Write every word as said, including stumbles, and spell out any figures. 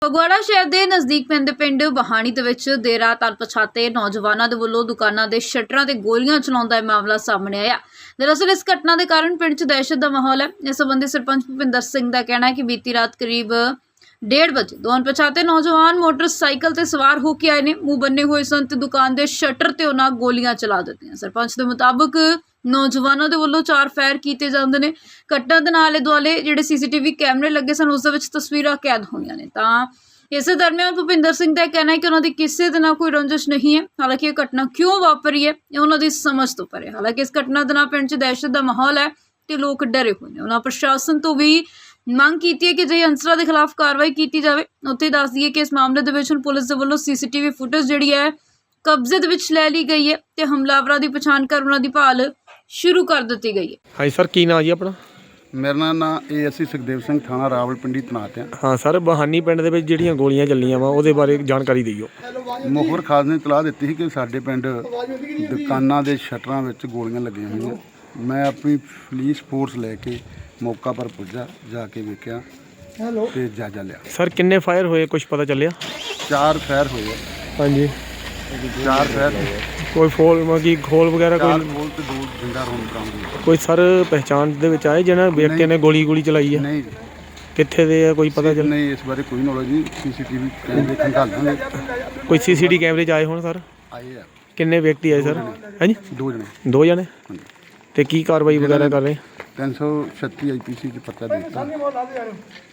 ਫਗਵਾੜਾ ਸ਼ਹਿਰ ਦੇ ਨਜ਼ਦੀਕ ਪੈਂਦੇ ਪਿੰਡ ਬਹਾਣੀ ਦੇ ਵਿੱਚ ਦੇਰ ਰਾਤ ਅਣਪਛਾਤੇ ਨੌਜਵਾਨਾਂ ਦੇ ਵੱਲੋਂ ਦੁਕਾਨਾਂ ਦੇ ਸ਼ਟਰਾਂ ਤੇ ਗੋਲੀਆਂ ਚਲਾਉਣ ਦਾ ਮਾਮਲਾ ਸਾਹਮਣੇ ਆਇਆ। ਦਰਅਸਲ ਇਸ ਘਟਨਾ ਦੇ ਕਾਰਨ ਪਿੰਡ 'ਚ ਦਹਿਸ਼ਤ ਦਾ ਮਾਹੌਲ ਹੈ। ਇਸ ਸੰਬੰਧੀ ਸਰਪੰਚ ਭੁਪਿੰਦਰ ਸਿੰਘ ਦਾ ਕਹਿਣਾ ਹੈ ਕਿ ਬੀਤੀ ਰਾਤ ਕਰੀਬ डेढ़ बजे दो अणपछाते नौजवान मोटरसाइकिल ते सवार होकर आए ने। मुंह बन्ने हुए सन ते दुकान के शटर ते उन्हां गोलियां चला दित्तियां। सरपंच के मुताबिक नौजवानों के वल्लों चार फायर किए जाते हैं। घटना के आले दुआले जिहड़े सीसीटीवी कैमरे लगे सन उस दे विच तस्वीरां कैद होईयां ने। तां इस दरमियान भुपिंदर सिंह का कहना है कि उन्होंने किसी के नाल कोई रंजिश नहीं है। हालांकि ये घटना क्यों वापरी है ये उन्होंने समझ तो परे। हालांकि इस घटना के नाल पिंड च दहशत का माहौल है तो लोग डरे हुए हैं। उन्होंने प्रशासन तो भी ਮੰਗ ਕੀਤੀ ਹੈ ਕਿ ਜੇ ਅੰਸਰਾਂ ਦੇ ਖਿਲਾਫ ਕਾਰਵਾਈ ਕੀਤੀ ਜਾਵੇ। ਉੱਥੇ ਦੱਸ ਦਈਏ ਕਿ ਇਸ ਮਾਮਲੇ ਦੇ ਵਿੱਚ ਹੁਣ ਪੁਲਿਸ ਦੇ ਵੱਲੋਂ ਸੀਸੀਟੀਵੀ ਫੁਟੇਜ ਜਿਹੜੀ ਹੈ ਕਬਜ਼ੇ ਦੇ ਵਿੱਚ ਲੈ ਲਈ ਗਈ ਹੈ ਤੇ ਹਮਲਾਵਰਾਂ ਦੀ ਪਛਾਣ ਕਰ ਉਹਨਾਂ ਦੀ ਭਾਲ ਸ਼ੁਰੂ ਕਰ ਦਿੱਤੀ ਗਈ ਹੈ। ਹਾਂਜੀ ਸਰ, ਕੀ ਨਾਂ ਜੀ ਆਪਣਾ? ਮੇਰਾ ਨਾਮ A S C Sukhdev Singh, ਥਾਣਾ ਰਾਵਲਪਿੰਡੀ ਤੈਨਾਤ ਆ। ਹਾਂ ਸਰ, ਬਹਾਨੀ ਪਿੰਡ ਦੇ ਵਿੱਚ ਜਿਹੜੀਆਂ ਗੋਲੀਆਂ ਚੱਲੀਆਂ ਵਾ ਉਹਦੇ ਬਾਰੇ ਜਾਣਕਾਰੀ ਦਿਓ। ਮੁਖਬਰ ਖਾਸ ਨੇ ਇਤਲਾਹ ਦਿੱਤੀ ਸੀ ਕਿ ਸਾਡੇ ਪਿੰਡ ਦੁਕਾਨਾਂ ਦੇ ਸ਼ਟਰਾਂ ਵਿੱਚ ਗੋਲੀਆਂ ਲੱਗੀਆਂ ਹੋਈਆਂ। ਮੈਂ ਆਪਣੀ ਪੁਲਿਸ ਫੋਰਸ ਲੈ ਕੇ ਮੌਕਾ ਪਰ ਪੁੱਜਾ, ਜਾ ਕੇ ਵੇਖਿਆ ਤੇ ਜਾਇਜ਼ਾ ਲਿਆ। ਸਰ ਕਿੰਨੇ ਫਾਇਰ ਹੋਏ ਕੁਝ ਪਤਾ ਚੱਲਿਆ? ਚਾਰ ਫਾਇਰ ਹੋਏ ਆ। ਹਾਂਜੀ, ਚਾਰ ਫਾਇਰ ਕੋਈ ਫੋਲ ਮਗੀ ਖੋਲ ਵਗੈਰਾ ਚਾਰ ਕੋਈ ਬੋਲ ਤੇ ਦੋ ਜਿੰਦਾ ਰੌਂਦ ਬਰਾਮਦ ਹੋਏ। ਕੋਈ ਸਰ ਪਹਿਚਾਣ ਦੇ ਵਿੱਚ ਆਏ ਜਿਹਨਾਂ ਵਿਅਕਤੀ ਨੇ ਗੋਲੀ ਗੋਲੀ ਚਲਾਈ ਹੈ? ਨਹੀਂ ਕਿੱਥੇ ਦੇ ਆ ਕੋਈ ਪਤਾ ਚੱਲ? ਨਹੀਂ, ਇਸ ਬਾਰੇ ਕੋਈ ਨੌਲੇਜ ਨਹੀਂ। ਸੀਸੀਟੀਵੀ ਕੈਮਰੇ ਖੰਗਾਲ ਦਾਂਗੇ। ਕੋਈ ਸੀਸੀਟੀ ਕੈਮਰੇ 'ਚ ਆਏ ਹੋਣ ਸਰ? ਆਏ ਆ। ਕਿੰਨੇ ਵਿਅਕਤੀ ਆਏ ਸਰ? ਹਾਂਜੀ, ਦੋ ਜਣੇ। ਦੋ ਜਣੇ। ਹਾਂਜੀ। ਤੇ ਕੀ ਕਾਰਵਾਈ ਵਗੈਰਾ ਕਰ ਰਹੇ? ਤਿੰਨ ਸੌ ਛੱਤੀ ਆਈ ਪੀ ਸੀ 'ਚ ਪਰਚਾ ਦੇ ਦਿੱਤਾ।